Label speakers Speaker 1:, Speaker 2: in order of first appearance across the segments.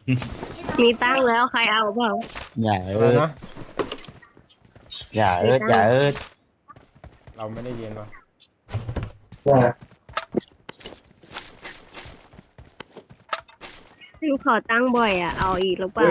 Speaker 1: มีตั้งแล้วใครเอาเปล่า
Speaker 2: อย่า
Speaker 3: อะไรนะ
Speaker 2: อย่า
Speaker 1: มีตั้ง
Speaker 2: อย่า
Speaker 3: เราไม่ได้ยินวะ
Speaker 1: พี่ขอตั้งบ่อยอ่ะเอาอีกหรือเปล่า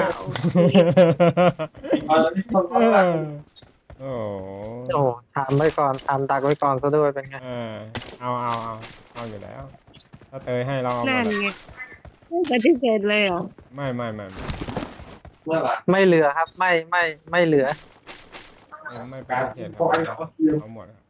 Speaker 3: โอ้
Speaker 4: โอ้ทำไว้ก่อนทำดักไว้ก่อนซะด้วยเป็นไง
Speaker 3: เออเอาอยู่แล้วถ้าเตยให้เราเอาหม
Speaker 1: นั่น
Speaker 3: ดอะ
Speaker 1: ไงไม่ปฏิเสธเลยเหรอ
Speaker 3: ไม่
Speaker 4: ไม่เหลือครับไม่เหลือ
Speaker 3: ไม่ปฏิเสธครับเอาหมดครับ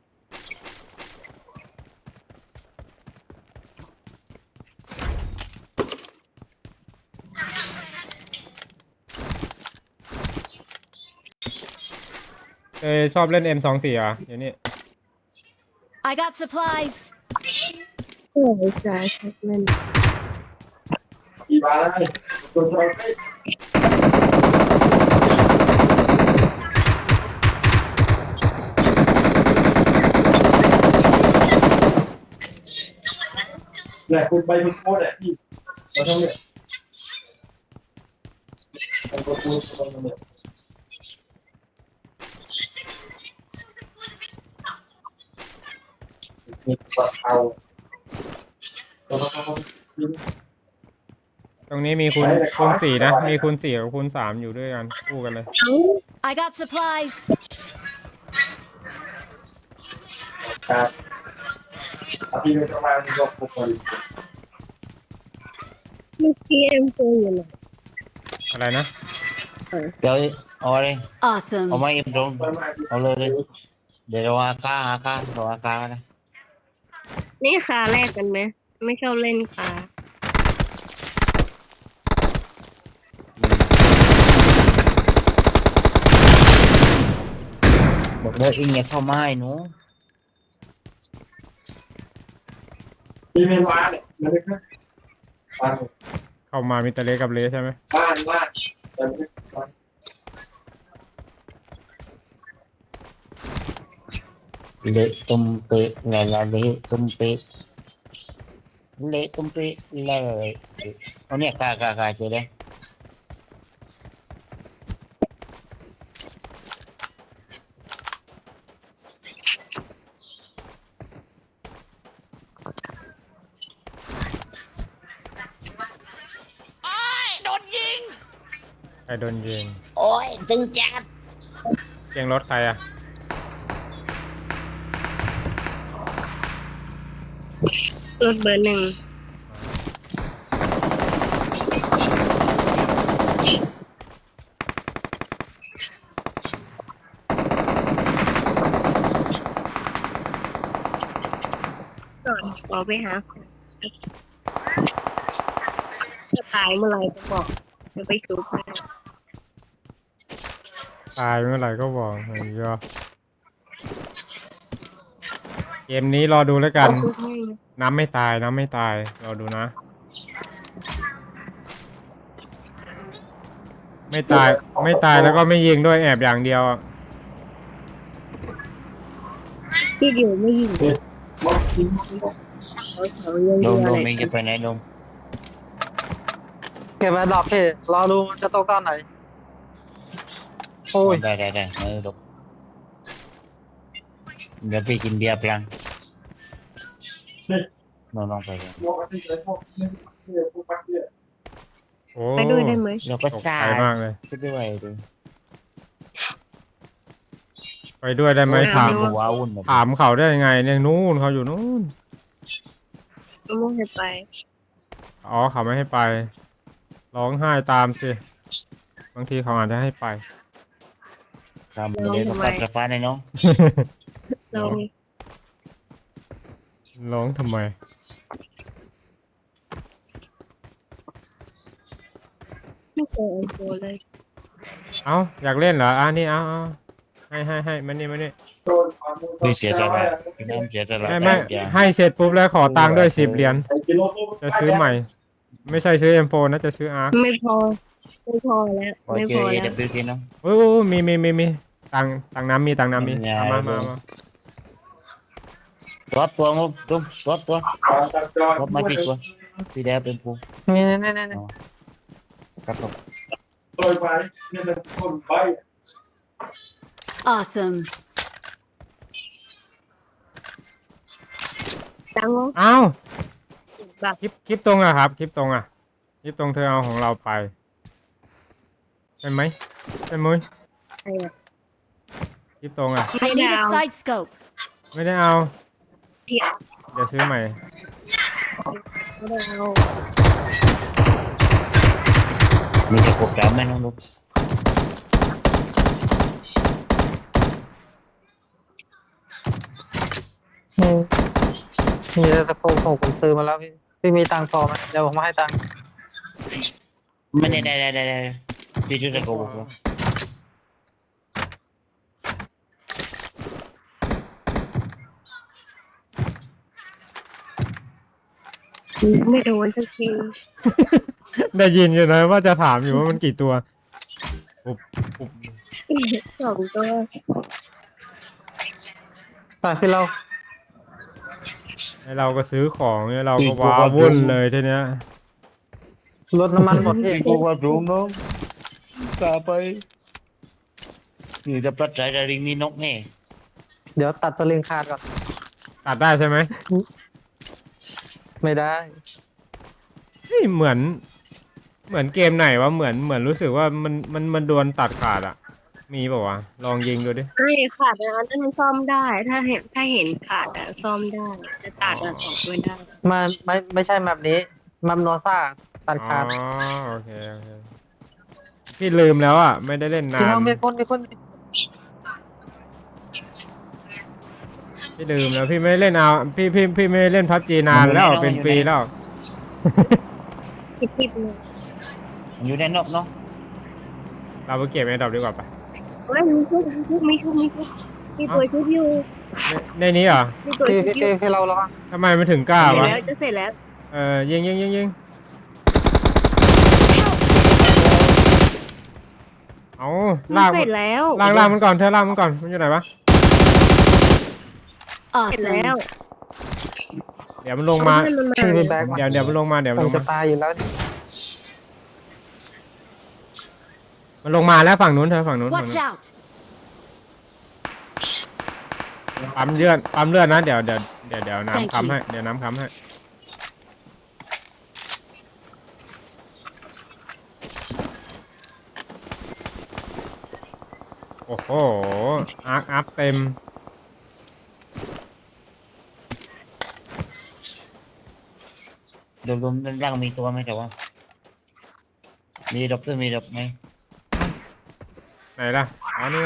Speaker 3: เตยชอบเล่น M24อ่ะเดี๋ยวนี้
Speaker 5: I got supplies.
Speaker 1: โอ้ยจ่ายชัดเล่น
Speaker 6: แหละคุณไปคุณโค้ดแหละพี่เราต้องเนี่ยไปคุณโค้ดตรงนี้มีปลาเอา
Speaker 3: ตรงนี้มีคูณ4นะมีคูณ4กับคูณ3อยู่ด้วยกันคู่กันเลย
Speaker 5: I got supplies.
Speaker 6: ครับพี่ไม่ต้องมาที่ก็คุกกัน
Speaker 1: เมื่อกี้เอ็มโฟอยู่ไหน
Speaker 3: อะไรนะ
Speaker 2: เดี๋ยวเอาเลย
Speaker 5: Awesome.
Speaker 2: เอามาเอ็มตรงเอาเลยเดี๋ยวเราอาก้าเราอาก้านะ
Speaker 1: นี่ขาแรกกันไหมไม่ชอบเล่นขา
Speaker 2: บอกเลยอิงอย่าเข้ามาให้หนู
Speaker 6: พี่ไม่มาเนี่ยมันไม่ค่อยบ้าน
Speaker 3: เข้ามามีแต่เละกับเละใช่ไหม
Speaker 6: บ้านแต่ไม่ค่อย
Speaker 2: เละตุ้มเปะเละเละตุ้มเปะเละตุ้มเปะเละเอาเนี่ยกาเจอเลย
Speaker 3: ใครโดนยิง
Speaker 2: โอ้ยตึงจัด
Speaker 3: เสียงรถใครอ่ะ
Speaker 1: รถเบอร์หนึ่งก่อนขอไปหาจะตายเมื่อไหร่จะบอกจะไปชุบให้
Speaker 3: ตายเมื่อไหร่ก็บอกเฮ้ยยอเกมนี้รอดูแล้วกัน
Speaker 1: ชุบให้
Speaker 3: น้ำไม่ตายรอดูนะ ไม่ตายแล้วก็ไม่ยิงด้วยแอบอย่างเดียวอะ
Speaker 1: ที่เดียวไม่ยิง
Speaker 6: บอกกิน
Speaker 1: เขาเยัง
Speaker 2: ล
Speaker 1: เย
Speaker 2: ง
Speaker 1: อะ
Speaker 2: ล
Speaker 1: อะ
Speaker 2: ง
Speaker 1: ไร
Speaker 2: เองจะไปไหนลง
Speaker 4: เก็บไว้ดอกพี่รอดูมันจะตกตอนไหนโอ้ย
Speaker 2: ได้ไม่ลงเดี๋ยวพี่กินเบียร์พลังน้องไปกัน
Speaker 6: บอกกันที่ไหนพวกเนี่ยพวกปักเนี่ย
Speaker 3: โอ้
Speaker 1: ไปด้วยได้ไหม
Speaker 2: เราก็
Speaker 3: ตก
Speaker 2: ซ่า
Speaker 3: ใจมากเลย
Speaker 2: ไปด้วยดิ
Speaker 3: ไปด้วยได้ไหมถาม
Speaker 2: ว้าวุ่นเลย
Speaker 3: ถามเขาได้ยังไงเนี่ยนู่นเขาอยู่นู่น
Speaker 1: ไม่ต้องให้ไป
Speaker 3: อ๋อเขาไม่ให้ไป ร้องไห้ตามสิบางทีเขาอาจจะให้ไป
Speaker 2: ทำไปเลยก็ปัดกระฟ้าในน้อง
Speaker 1: เรา
Speaker 3: ร้องทำไม
Speaker 1: ไม่เคยเอาตัวเลย
Speaker 3: เอ้าอยากเล่นเหรอนี่เอาให้มานี่
Speaker 2: พี่เสียใจไหมพี่น้ำเสียใจไหม
Speaker 3: ไม่ให้เสร็จปุ๊บแล้วขอตังค์ด้วย10 เหรียญจะซื้อใหม่ ไม่ใช่ซื้อ M4 นะจะซื้อ ARK
Speaker 1: ไม่พอแล้ว
Speaker 2: พอ
Speaker 1: ไม่
Speaker 2: เจ
Speaker 1: พ
Speaker 2: อ
Speaker 1: อ
Speaker 2: เอ
Speaker 1: แล้ว
Speaker 2: เดบิวต์น้อง
Speaker 3: โอ้มีตังค์น้ำมีเอามา
Speaker 2: ตัวงุ้มตัวมาที่ตัวพี่แดงเป็นปู
Speaker 4: นี่
Speaker 2: ครับผม
Speaker 6: โดยไปเนี่ยเป็นคนไป
Speaker 5: Awesome.
Speaker 1: จังวะ
Speaker 3: อ้าว
Speaker 1: แบบ
Speaker 3: คลิปตรงอะครับคลิปตรงอะคลิปตรงเธอเอาของเราไปใช่ไหมใช่ไหมย
Speaker 1: อะไรอะ
Speaker 3: คลิปตรงอะ
Speaker 5: I need a side scope.
Speaker 3: ไม่ได้เอา
Speaker 1: ที่
Speaker 3: เดี๋ยวซื้อใหม่
Speaker 1: ไม่ได้เอา
Speaker 2: มีแต่กบดำไหมน้องลูก
Speaker 4: มีมีแต่ตะโพกผมซื้อมาแล้วพี่มีตังค์พอไหมเดี๋ยวผมมาให้ตังค์
Speaker 2: ไม่ได้พี่ช่วยแต่กบผม
Speaker 1: ไม่โดนสักที
Speaker 3: ได้ยินอยู่นะว่าจะถามอยู่ว่ามันกี่ตัวปุ๊บ
Speaker 1: สองตัว
Speaker 4: ไปพี่เรา
Speaker 3: ให้เราก็ซื้อของเนี่ยเราก็ว้าวุ่นเลยทีเนี้ย
Speaker 4: รถน้ำมันหมดพี่
Speaker 2: พี่กบว่ารู้น้องกลับไปนี่จะปลัดใจระริงนี่นกแน่
Speaker 4: เดี๋ยวตัดสลิงขาดก่อน
Speaker 3: ตัดได้ใช่ไหม
Speaker 4: ไม่ได้
Speaker 3: เฮ้ยเหมือนเกมไหนวะเหมือนรู้สึกว่ามันโดนตัดขาดอะมีเปล่าวะลองยิงดูดิ
Speaker 1: ไม่ขาดแล้วนั่นมันซ่อมได้ ถ้าเห็นขาดอะซ่อมได้จะตัดอะออกไม่ได้
Speaker 4: มันไม่ใช่แบบนี้มัมโนซ่าตัด
Speaker 3: อ๋อ
Speaker 4: ขาด
Speaker 3: โอเคพี่ลืมแล้วอะไม่ได้เล่นนา
Speaker 4: พี่เรา
Speaker 3: น
Speaker 4: มีคน
Speaker 3: พี่ลืมแล้วพี่ไม่เล่นเอาพี่ไม่เล่นพับจีนานแล้วเป็นปีแล้ว
Speaker 1: คิดๆเลย
Speaker 2: อยู่ในนกเนาะ
Speaker 3: เราไปเก็บไอ้ดอกดีกว่าปะ
Speaker 1: เฮ้ยมีชุบมีตัวชุบอยู่
Speaker 3: ในนี้เหรอ
Speaker 1: มีตัว
Speaker 4: พี่
Speaker 1: ชุบอยู่
Speaker 4: พี่เราระวัง
Speaker 3: ทำไมมันถึงกล้า
Speaker 1: เสร็จ
Speaker 3: วะ
Speaker 1: แล้วจะเสร็จแล้ว
Speaker 3: ยิงเอาลาก
Speaker 1: เสร็จแล้ว
Speaker 3: ลากมันก่อนเธอลากมันก่อนมันอยู่ไหนวะ
Speaker 1: เสร็จแล้ว
Speaker 3: เดี๋ยวมันลงมา
Speaker 1: เพื่อนมันมา
Speaker 4: พี่ไปแบกมา
Speaker 3: เดี๋ยวมันลงมาเดี๋ยว
Speaker 4: ผ
Speaker 3: มัน
Speaker 4: ม
Speaker 3: ลง
Speaker 4: จะ
Speaker 3: มา
Speaker 4: ตายอยู่แล้ว
Speaker 3: มันลงมาแล้วฝั่งนู้นเธอฝั่งนู้น
Speaker 5: Watch out.
Speaker 3: ปั๊มเลือดนะเดี๋ยวน้ำ
Speaker 5: Thank
Speaker 3: ค้ำ
Speaker 5: you
Speaker 3: ให้เดี๋ยวน้ำค้ำให้โอ้โหอาร์คอัพเต็ม
Speaker 2: รวมๆด้านล่างมีตัวไหมแต่ว่า มีดอกด้วยมีดอกไหม
Speaker 3: ไหนล่ะอ๋อนี่ไง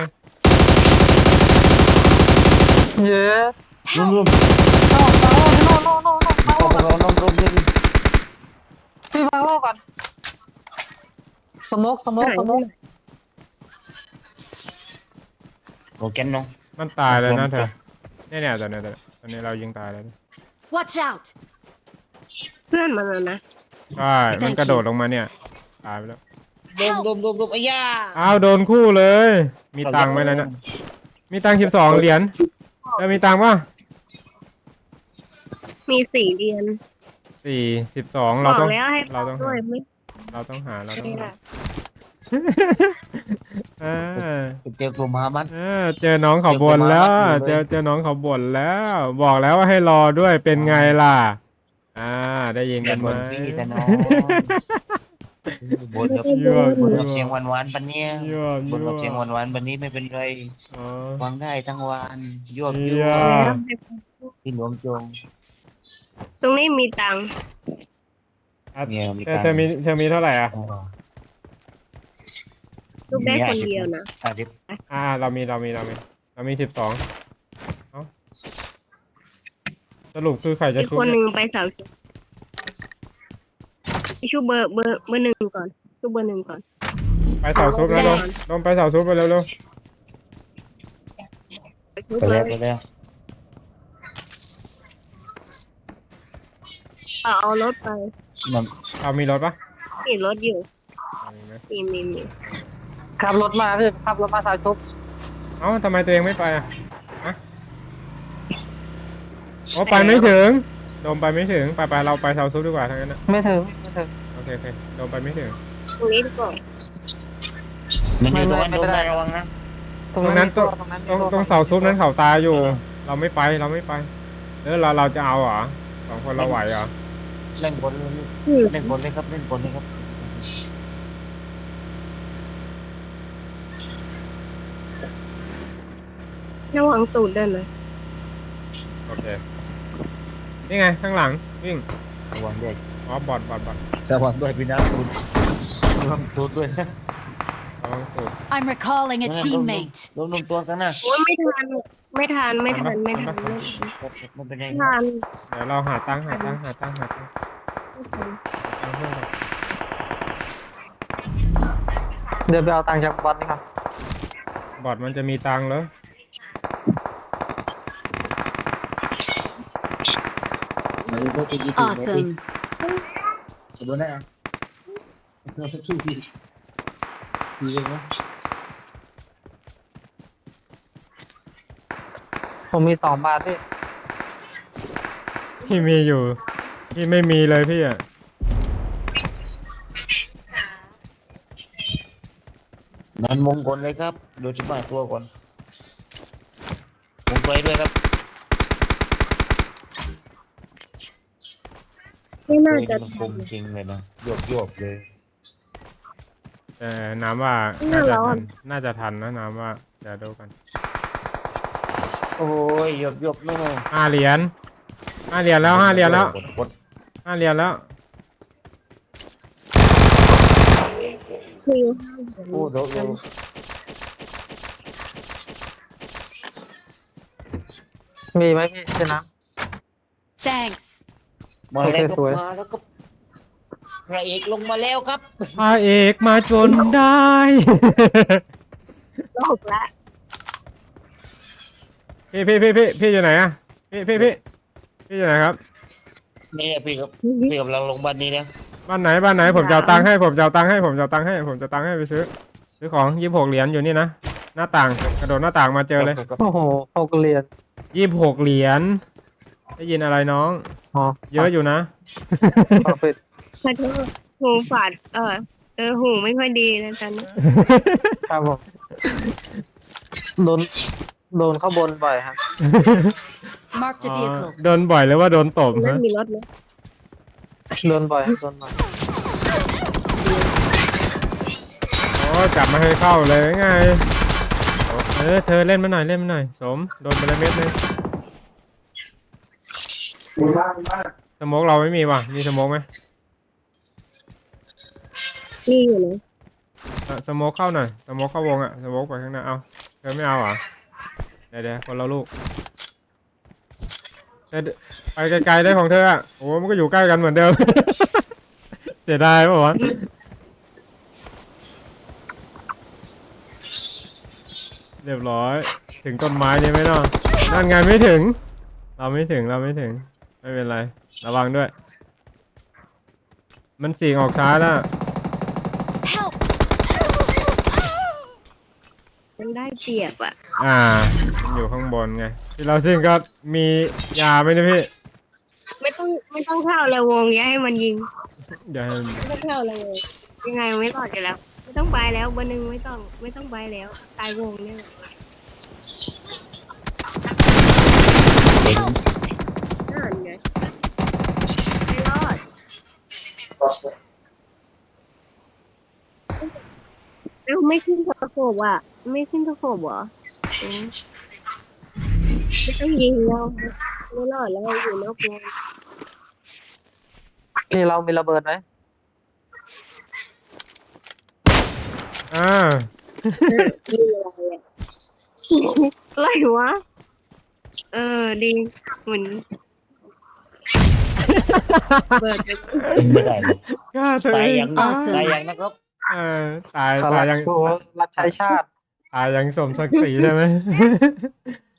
Speaker 4: เย้
Speaker 2: รวม
Speaker 4: โน่
Speaker 2: ๆรวม
Speaker 4: พี่วางโล่ก่อนสโมก
Speaker 2: โอเคน้อง
Speaker 3: มันตายเลยนะเธอเนี่ยตอนนี้เรายิงตายแล้ว
Speaker 5: Watch out.
Speaker 1: เพื่อนมันนะ
Speaker 3: ใช่มันกระโดดลงมาเนี่ยตายไปแล้ว
Speaker 2: รวมไอ้ย่า
Speaker 3: อ้าวโดนคู่เลย มีตังค์ไหมล่ะเนี่ยมีตังค์12 เหรียญแล้วมีตังค์ป่ะ
Speaker 1: มี4 เดือน
Speaker 3: 12
Speaker 1: บ
Speaker 3: เรา
Speaker 1: อก
Speaker 3: ต้อง
Speaker 1: แล้วให้
Speaker 3: เราต้อง
Speaker 1: ด้วยไม่
Speaker 3: เราต้องหา
Speaker 1: ได้
Speaker 2: เจอกลุ่มฮามัส
Speaker 3: เจอน้องเขาบ่นแล้ว เจอน้องเขาบ่นแล้ว บอกแล้วว่าให้รอด้วยเป็นไงล่ะได้ยิน
Speaker 2: อ
Speaker 3: กั
Speaker 2: ย่าน
Speaker 3: ไหม
Speaker 2: บ่นพี่แต่น้องบ่นกับ
Speaker 3: ยั่ว
Speaker 2: บ่นกับเสียงหวานๆปันเนี้ย
Speaker 3: ยั่ว
Speaker 2: บ่นกับเสียงหวานๆปันนี้ไม่เป็นไร
Speaker 3: อ๋อ
Speaker 2: ฟังได้ทั้งวันยั่ว
Speaker 3: ยั่ว
Speaker 2: พี่หลวงจง
Speaker 1: ตรงนี้มีตังค์
Speaker 2: เนี่ยมี
Speaker 3: เธอมีเท่าไหร่อ่ะ
Speaker 1: ลูกได้คนเดียวนะ
Speaker 3: เรามี12สรุปคือใครจะ
Speaker 1: อีก
Speaker 3: ชุบ
Speaker 1: คนหนึ่งไปสาวชูเบอร์หนึ่งก่อนชูเบอร์ 1ก่อน
Speaker 3: ไปเสาซุปแล้วลงไปเสาซุปไปเร็ว
Speaker 1: ชู
Speaker 2: ไป
Speaker 1: เบอ
Speaker 2: แล้ว
Speaker 1: ร์
Speaker 2: ไปแล้ว
Speaker 1: เอารถไป
Speaker 2: มัน
Speaker 3: เรามีรถปะ
Speaker 1: มีรถอยู่
Speaker 3: มีไหม
Speaker 1: มี
Speaker 4: ขับรถมาพี่ขับรถมาสายชุบ
Speaker 3: เอ้าทำไมตัวเองไม่ไปอ่ะอ๋อไปไม่ถึงโดมไปไม่ถึงไปเราไปเสาซุปดีกว่าทั้งนั้นนะ
Speaker 4: ไม่ถึง
Speaker 3: โอเคโดมไปไม่ถึง
Speaker 1: ตรงนี้ดีกว่า
Speaker 2: มันอยู่ตรงนั้นโดนได้ระวังนะ
Speaker 4: ตรงนั้นตรงนั้น
Speaker 3: ตรงเสาซุปนั้นเขาตายอยู่ เราไม่ไปเราไม่ไปเราจะเอาเหรอสองคนเราไหวเหรอ
Speaker 2: เล่นบนเลยเล่นบนเลยครับเล่นบนเลยครับ
Speaker 1: ระวังตูดด้วยนะ
Speaker 3: โอเคนี่ไงข้างหลังวิ่ง
Speaker 2: ระวังด้วย
Speaker 3: อ๋อบอด
Speaker 2: ระวังด้วยพี่น้ำคุณระวังตัวด้วยนะ
Speaker 3: ระวังตูด
Speaker 5: I'm recalling a teammate.
Speaker 2: โดนตัวซะนะ
Speaker 1: โอ้ยไม่ทันไม่ทัน
Speaker 2: ไม่เป็นไร
Speaker 1: ไม่ทัน
Speaker 3: เดี๋ยวเราหาตังค์เพื่อนก่อน
Speaker 4: เดี๋ยวไปเอาตังค์จากบอลนี่ครับ
Speaker 3: บอดมันจะมีตังค์เหรอ
Speaker 5: Awesome.
Speaker 2: โดนได้อ่ะเราสักสู้พี่ดีเลยนะ
Speaker 4: ผมมี2 บาทพี่
Speaker 3: พี่มีอยู่พี่ไม่มีเลยพี่อ่ะ
Speaker 2: นันมงคลเลยครับดูที่มาตัวก่อนมงไปด้วยครับ
Speaker 1: ไม่น่าจะ
Speaker 2: มันค
Speaker 1: ทัน
Speaker 2: มจริงเลยนะยวบเลย
Speaker 3: แต่น้ำว่าน่าจะทันนะน้ำว่าเดี๋ยวดูกัน
Speaker 2: โอ้ยยวบนู่น
Speaker 3: 5 เหรียญแล้ว5 เหรียญแล้ว
Speaker 2: กด
Speaker 3: 5 เหรียญแล้ว
Speaker 1: คือ
Speaker 2: โอ้เดี๋ยว
Speaker 4: มีไหมพี่เจน้
Speaker 5: Thanks.
Speaker 2: มาแล้ว
Speaker 4: โอเคสวย
Speaker 2: มาแล้วก็พระเอกลงมาแล้วครับ
Speaker 3: พระเอกมาจนได้
Speaker 1: โลกละ
Speaker 3: พี่อยู่ไหนอะพี่อยู่ไหนครับ
Speaker 2: นี่แหละพี่ครับพี่กำลังลงบ้านนี้แล้ว
Speaker 3: บ้านไหนผมจะเอาตังค์ให้ผมจะเอาตังค์ให้ไปซื้อของ26 เหรียญอยู่นี่นะหน้าต่างกระโดดหน้าต่างมาเจอเลย
Speaker 4: ำโอ้โห6 เหรียญ
Speaker 3: 26 เหรียญได้ยินอะไรน้อง
Speaker 4: อ๋อ
Speaker 3: เยอะอยู่นะ
Speaker 4: ขอปิด
Speaker 1: ขอโทษหูฝาดหูไม่ค่อยดีนะตอนนี้
Speaker 4: ครับผมโดนเข้าบนบ่อยครับ
Speaker 5: Marked a vehicle.
Speaker 3: โดนบ่อยหรือว่าโดนตบ
Speaker 1: ไม่
Speaker 3: ฮะ
Speaker 1: มีรถเลย
Speaker 4: โดนบ่อย
Speaker 3: โอ้จับมาให้เข้าเลยไงเธอเล่นมาหน่อยสมโดนไปเลยเม็ดนึง
Speaker 6: มีบ้าน
Speaker 3: สโมกเราไม่มีว่ะมีสโมกไหม
Speaker 1: นี่อยู่นะ
Speaker 3: สโมกเข้าหน่อยสโมกเข้าวงอะสโมกไปข้างหน้าเอาเธอไม่เอาเหรอเดี๋ยวคนละลูกไปไกลๆได้ของเธออะโอ้มันก็อยู่ใกล้กันเหมือนเดิม เสียดายป่ะวะเรียบร้อยถึงต้นไม้นี่ไหมเนาะนั่นไงไม่ถึงเราไม่ถึงไม่เป็นไรระวังด้วยมันสีออกช้าแล้ว
Speaker 5: Help.
Speaker 1: มันได้เปรียบอ่ะ
Speaker 3: มันอยู่ข้างบนไงที่เราซิ่งก็มียาไหมเนะพี่
Speaker 1: ไม่ต้องเข้าเลยวงอย่าให้มันยิง
Speaker 3: เดี๋ยวให้
Speaker 1: ไม่ต้องเข้าเลยยังไงไม่รอดอยู่แล้ว ไม่ต้องไปแล้วเบอร์ 1ไม่ต้องไปแล้วตายวงเนี่ย
Speaker 2: เห็น
Speaker 1: นั่นไงไม่รอดแล้วไม่ขึ้นตะโขบอ่ะไม่ขึ้นตะโขบเหรอไม่ต้องยิงเราไม่รอดแล้วอยู่นอกวง
Speaker 4: พี่เรามีระเบิดไหม
Speaker 1: ยิงอะไรอ่ะอะไรวะดีเหมือนเปิดไป
Speaker 2: ไม่ได้เลย
Speaker 3: ฆ่าตัว
Speaker 2: ตา
Speaker 3: เอย ง
Speaker 2: ยังตายยังนะครับ
Speaker 3: ตายยัง
Speaker 4: โอ้โหรับใช้ชาติ
Speaker 3: ตายยังสมศักดิ์ศรีใช่ไหม